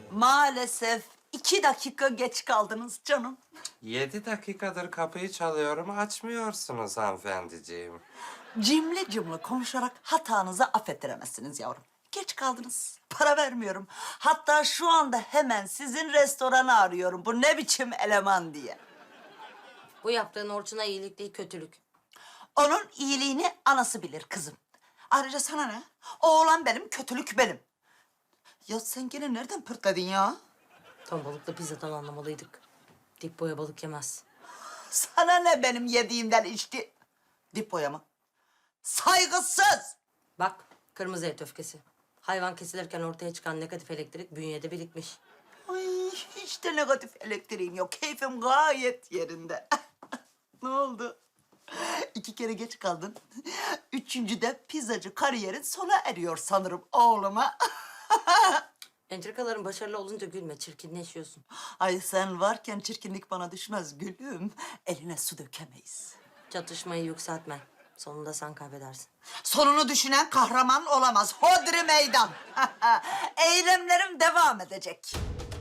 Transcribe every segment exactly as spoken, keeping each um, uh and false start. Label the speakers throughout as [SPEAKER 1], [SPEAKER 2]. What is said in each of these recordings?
[SPEAKER 1] Maalesef iki dakika geç kaldınız canım.
[SPEAKER 2] Yedi dakikadır kapıyı çalıyorum, açmıyorsunuz hanımefendiciğim.
[SPEAKER 1] Cimri cimri konuşarak hatanızı affettiremezsiniz yavrum. Geç kaldınız. Para vermiyorum. Hatta şu anda hemen sizin restoranı arıyorum. Bu ne biçim eleman diye.
[SPEAKER 3] Bu yaptığın Orçun'a iyilik değil, kötülük.
[SPEAKER 1] Onun iyiliğini anası bilir kızım. Ayrıca sana ne? Oğlan benim, kötülük benim. Ya sen gene nereden pırtladın ya?
[SPEAKER 3] Ton balıklı pizzadan anlamalıydık. Dip boya balık yemez.
[SPEAKER 1] Sana ne benim yediğimden içti? Dipoya mı? Saygısız!
[SPEAKER 3] Bak, kırmızı et öfkesi. Hayvan kesilirken ortaya çıkan negatif elektrik bünyede birikmiş.
[SPEAKER 1] Ay, hiç de negatif elektriğim yok. Keyfim gayet yerinde. Ne oldu? İki kere geç kaldın. Üçüncüde pizzacı kariyerin sona eriyor sanırım oğluma.
[SPEAKER 3] Entrikaların başarılı olunca gülme, çirkinleşiyorsun.
[SPEAKER 1] Ay sen varken çirkinlik bana düşmez gülüm. Eline su dökemeyiz.
[SPEAKER 3] Çatışmayı yükseltme. Sonunda sen kaybedersin.
[SPEAKER 1] Sonunu düşünen kahraman olamaz. Hodri meydan. Eylemlerim devam edecek.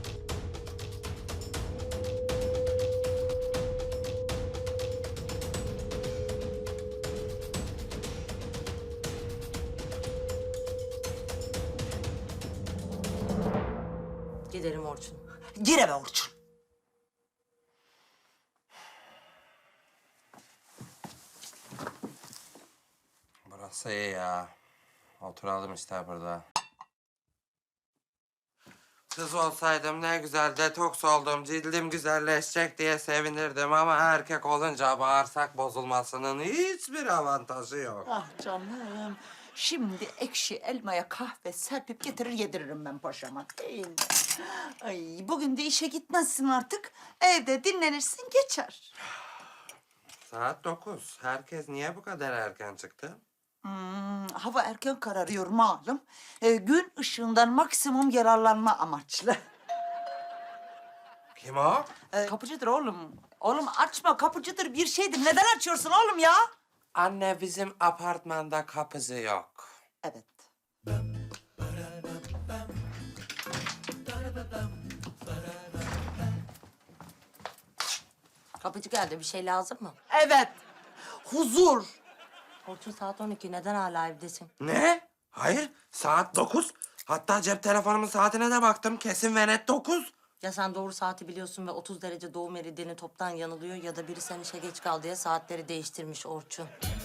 [SPEAKER 3] Gidelim Orçun.
[SPEAKER 1] Gir eve Orçun.
[SPEAKER 2] Burası iyi ya. Oturalım işte burada. Kız olsaydım ne güzel detoks oldum, cildim güzelleşecek diye sevinirdim ama erkek olunca bağırsak bozulmasının hiçbir avantajı yok.
[SPEAKER 1] Ah canım. Şimdi ekşi elmaya kahve serpip getirir yediririm ben paşama. Değil mi? Ay bugün de işe gitmezsin artık. Evde dinlenirsin geçer.
[SPEAKER 2] Saat dokuz. Herkes niye bu kadar erken çıktı?
[SPEAKER 1] Hmm, hava erken kararıyor malum. Ee, gün ışığından maksimum yararlanma amaçlı.
[SPEAKER 2] Kim o?
[SPEAKER 1] Ee, kapıcıdır oğlum. Oğlum açma kapıcıdır bir şeydir. Neden açıyorsun oğlum ya?
[SPEAKER 2] Anne bizim apartmanda kapısı yok.
[SPEAKER 1] Evet.
[SPEAKER 3] Kapıcı geldi, bir şey lazım mı?
[SPEAKER 1] Evet. Huzur.
[SPEAKER 3] Orçun saat on iki, neden hala evdesin?
[SPEAKER 2] Ne? Hayır, saat dokuz. Hatta cep telefonumun saatine de baktım. Kesin ve net dokuz.
[SPEAKER 3] Ya sen doğru saati biliyorsun ve otuz derece doğu meridyeni toptan yanılıyor ya da biri sen işe geç kal diye saatleri değiştirmiş Orçun.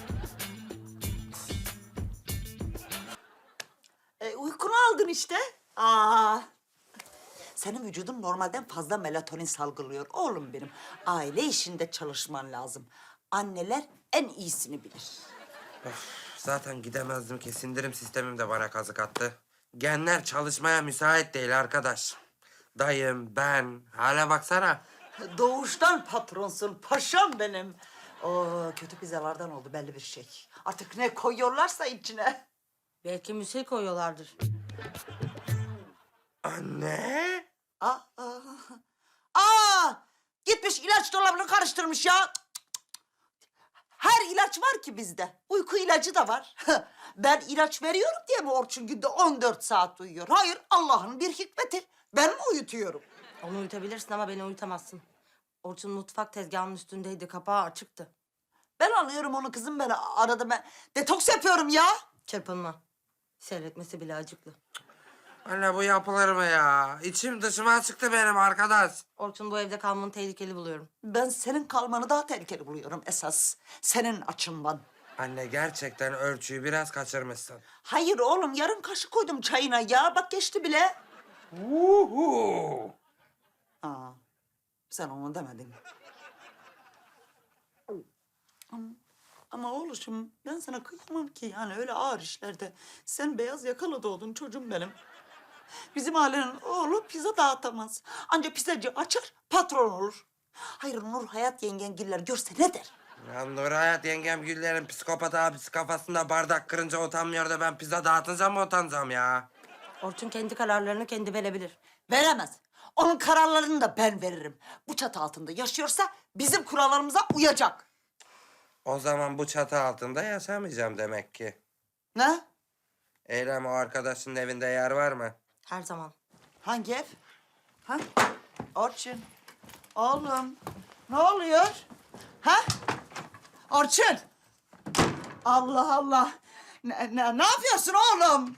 [SPEAKER 1] E, uykunu aldın işte. Aa. Senin vücudun normalden fazla melatonin salgılıyor oğlum benim. Aile işinde çalışman lazım. Anneler en iyisini bilir.
[SPEAKER 2] Zaten gidemezdim ki. Sindirim sistemim de bana kazık attı. Genler çalışmaya müsait değil arkadaş. Dayım, ben. Hala baksana.
[SPEAKER 1] Doğuştan patronsun paşam benim. O kötü pizzalardan oldu belli bir şey. Artık ne koyuyorlarsa içine.
[SPEAKER 3] Belki müsil koyuyorlardır.
[SPEAKER 2] Anne.
[SPEAKER 1] Aa, aa, aa, gitmiş ilaç dolabını karıştırmış ya. Her ilaç var ki bizde. Uyku ilacı da var. Ben ilaç veriyorum diye mi Orçun günde on dört saat uyuyor? Hayır, Allah'ın bir hikmeti. Ben mi uyutuyorum?
[SPEAKER 3] Onu uyutabilirsin ama beni uyutamazsın. Orçun mutfak tezgahının üstündeydi, kapağı açıktı.
[SPEAKER 1] Ben anlıyorum onu kızım, ben arada ben detoks yapıyorum ya.
[SPEAKER 3] Çırpınma. Seyretmesi bile acıklı.
[SPEAKER 2] Anne bu yapılır mı ya? İçim dışıma çıktı benim arkadaş.
[SPEAKER 3] Orçun, bu evde kalmanı tehlikeli buluyorum.
[SPEAKER 1] Ben senin kalmanı daha tehlikeli buluyorum esas. Senin açından.
[SPEAKER 2] Anne gerçekten ölçüyü biraz kaçırmışsın.
[SPEAKER 1] Hayır oğlum, yarım kaşık koydum çayına ya. Bak geçti bile.
[SPEAKER 2] Uhu.
[SPEAKER 1] Aa, sen onu demedin. Ama, ama oğluşum ben sana kıyamam ki yani öyle ağır işlerde. Sen beyaz yakalı doğdun çocuğum benim. Bizim ailenin oğlu pizza dağıtamaz. Ancak pizzacı açar, patron olur. Hayır Nur Hayat yengengiller görse ne der?
[SPEAKER 2] Ya Nur Hayat yengem Güller'in psikopat abisi kafasında bardak kırınca utanmıyor da ben pizza dağıtınca mı utanacağım ya?
[SPEAKER 3] Orçun kendi kararlarını kendi verebilir.
[SPEAKER 1] Veremez. Onun kararlarını da ben veririm. Bu çatı altında yaşıyorsa bizim kurallarımıza uyacak.
[SPEAKER 2] O zaman bu çatı altında yaşamayacağım demek ki.
[SPEAKER 1] Ne?
[SPEAKER 2] Eylem o arkadaşının evinde yer var mı?
[SPEAKER 3] Her zaman.
[SPEAKER 1] Hangi ev? Ha? Orçun. Oğlum. Ne oluyor? Ha? Orçun. Allah Allah. Ne, ne, ne yapıyorsun oğlum?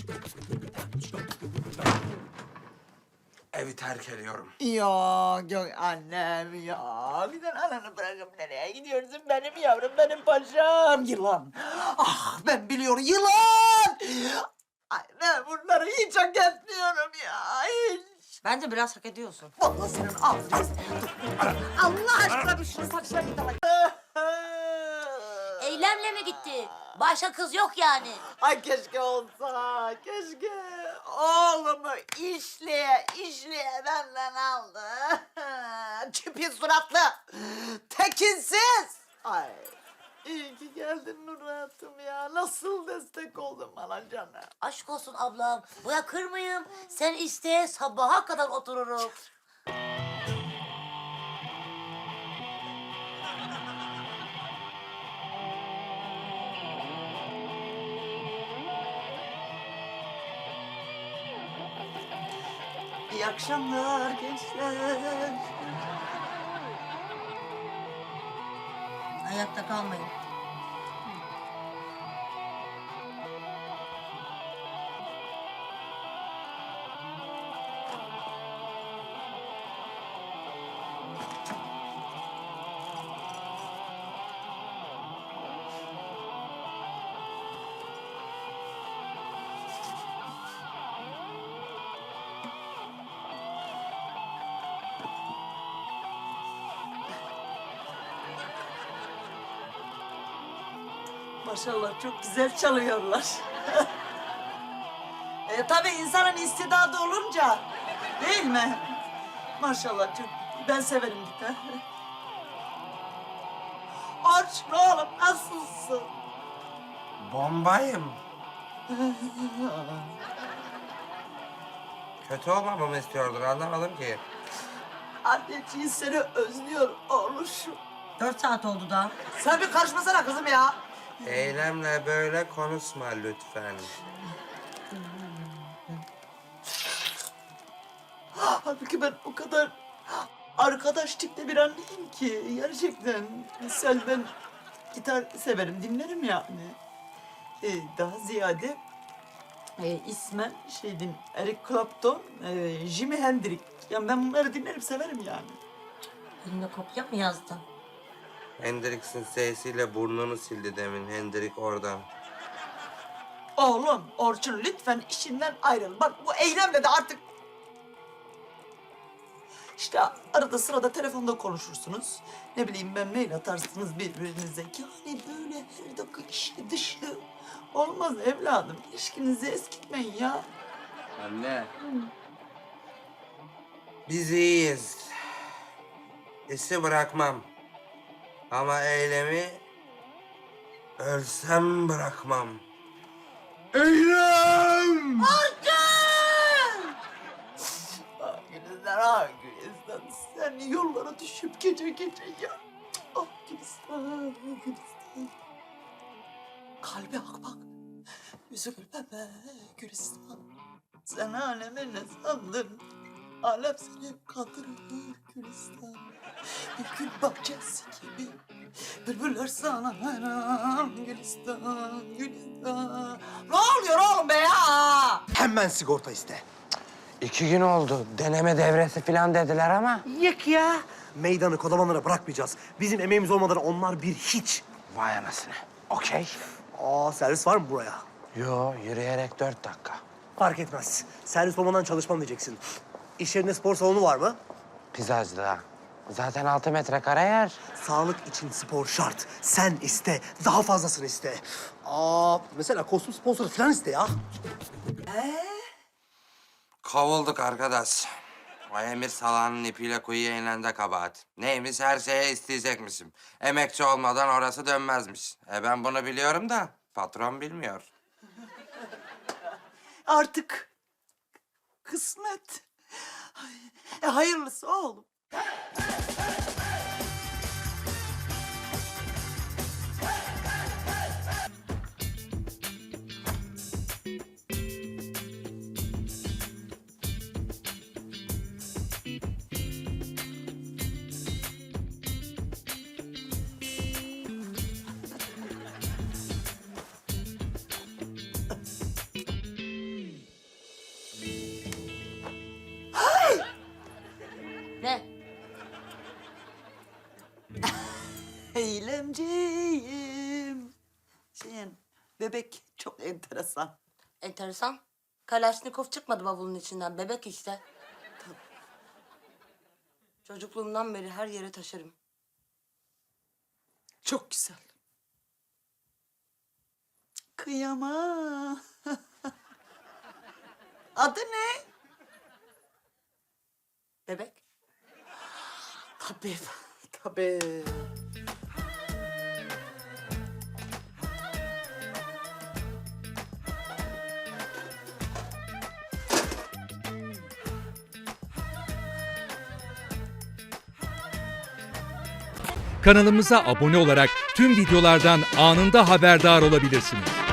[SPEAKER 2] Evi terk ediyorum.
[SPEAKER 1] Ya yok annem ya. Bir de ananı bırakıp nereye gidiyorsun benim yavrum, benim paşam? Yılan. Ah ben biliyorum, yılan. Ay ben bunları hiç hak etmiyorum ya. Hiç.
[SPEAKER 3] Bence biraz hak ediyorsun.
[SPEAKER 1] Vallahi senin ağzını. Allah aşkına bir şu saçlarını da
[SPEAKER 4] Eylemle mi gitti? Başka kız yok yani.
[SPEAKER 1] Ay keşke olsa, keşke. Oğlumu işleye işleye benden aldı. Çipi suratlı, tekinsiz. Ay iyi ki geldin Nur hayatım ya. Nasıl destek oldun bana canım.
[SPEAKER 4] Aşk olsun ablam. Bırakır mıyım? Sen iste sabaha kadar otururum.
[SPEAKER 1] İyi akşamlar gençler.
[SPEAKER 3] Ayakta kalmayın.
[SPEAKER 1] Maşallah çok güzel çalıyorlar. e, tabii insanın istidadı olunca değil mi? Maşallah çok ben severim gitar. Orçun oğlum nasılsın?
[SPEAKER 2] Bombayım. Kötü olmamamı istiyordur, anlamadım ki.
[SPEAKER 1] Anneciğin seni özlüyor oğluşum.
[SPEAKER 3] Dört saat oldu daha.
[SPEAKER 1] Sen bir karışmasana kızım ya.
[SPEAKER 2] Eylemle böyle konuşma lütfen.
[SPEAKER 1] Halbuki ben o kadar arkadaş tipte bir anneyim ki gerçekten. Sen ben gitar severim, dinlerim yani. Ee, daha ziyade e, ismen şeydim Eric Clapton, e, Jimi Hendrix. Yani ben bunları dinlerim, severim yani.
[SPEAKER 3] Eline kopya mı yazdın?
[SPEAKER 2] Hendrix'in sesiyle burnunu sildi demin. Hendrix oradan.
[SPEAKER 1] Oğlum Orçun lütfen işinden ayrıl. Bak bu eylemle de artık... İşte arada sırada telefonda konuşursunuz. Ne bileyim ben mail atarsınız birbirinize. Yani böyle her dakika işi dışı. Olmaz evladım. İlişkinizi eskitmeyin ya.
[SPEAKER 5] Anne.
[SPEAKER 2] Biz iyiyiz. İşi bırakmam. Ama eylemi ölsem bırakmam. Eylem!
[SPEAKER 1] Ah Gülistan, ah Gülistan. Sen yollara düşüp gece gece ya. Ah Gülistan, ah Gülistan. Kalbe bak bak. Yüzü gülmeme Gülistan. Sen alemi ne sandın? Alem seni hep kandırır Gülistan. Bir gül bahçesi gibi. Bülbüller sana hayran Gülistan, Gülistan. Ne oluyor oğlum be ya?
[SPEAKER 5] Hemen sigorta iste.
[SPEAKER 2] İki gün oldu. Deneme devresi falan dediler ama.
[SPEAKER 5] Yık ya. Meydanı kodamanlara bırakmayacağız. Bizim emeğimiz olmadan onlar bir hiç.
[SPEAKER 2] Vay anasını. Okey.
[SPEAKER 5] Aa servis var mı buraya?
[SPEAKER 2] Yo, yürüyerek dört dakika.
[SPEAKER 5] Fark etmez. Servis olmadan çalışmam diyeceksin. İş yerinde spor salonu var mı?
[SPEAKER 2] Pizzacıda. Zaten altı metrekare yer.
[SPEAKER 5] Sağlık için spor şart. Sen iste, daha fazlasını iste. Aa mesela kostüm sponsoru falan iste ya.
[SPEAKER 2] Kovulduk arkadaş. O Emir salağının ipiyle kuyuya inen de kabahat. Neymiş, her şeye isteyecekmişim. Emekçi olmadan orası dönmezmiş. E ben bunu biliyorum da patron bilmiyor.
[SPEAKER 1] Artık kısmet. Ay, E, hayırlısı oğlum. Keremciğim. Şeyin, bebek çok enteresan.
[SPEAKER 3] Enteresan. Kalaşnikov çıkmadı bavulun içinden. Bebek işte. Çocukluğumdan beri her yere taşırım.
[SPEAKER 1] Çok güzel. Kıyamam. Adı ne?
[SPEAKER 3] Bebek.
[SPEAKER 1] Tabii, tabii.
[SPEAKER 6] Kanalımıza abone olarak tüm videolardan anında haberdar olabilirsiniz.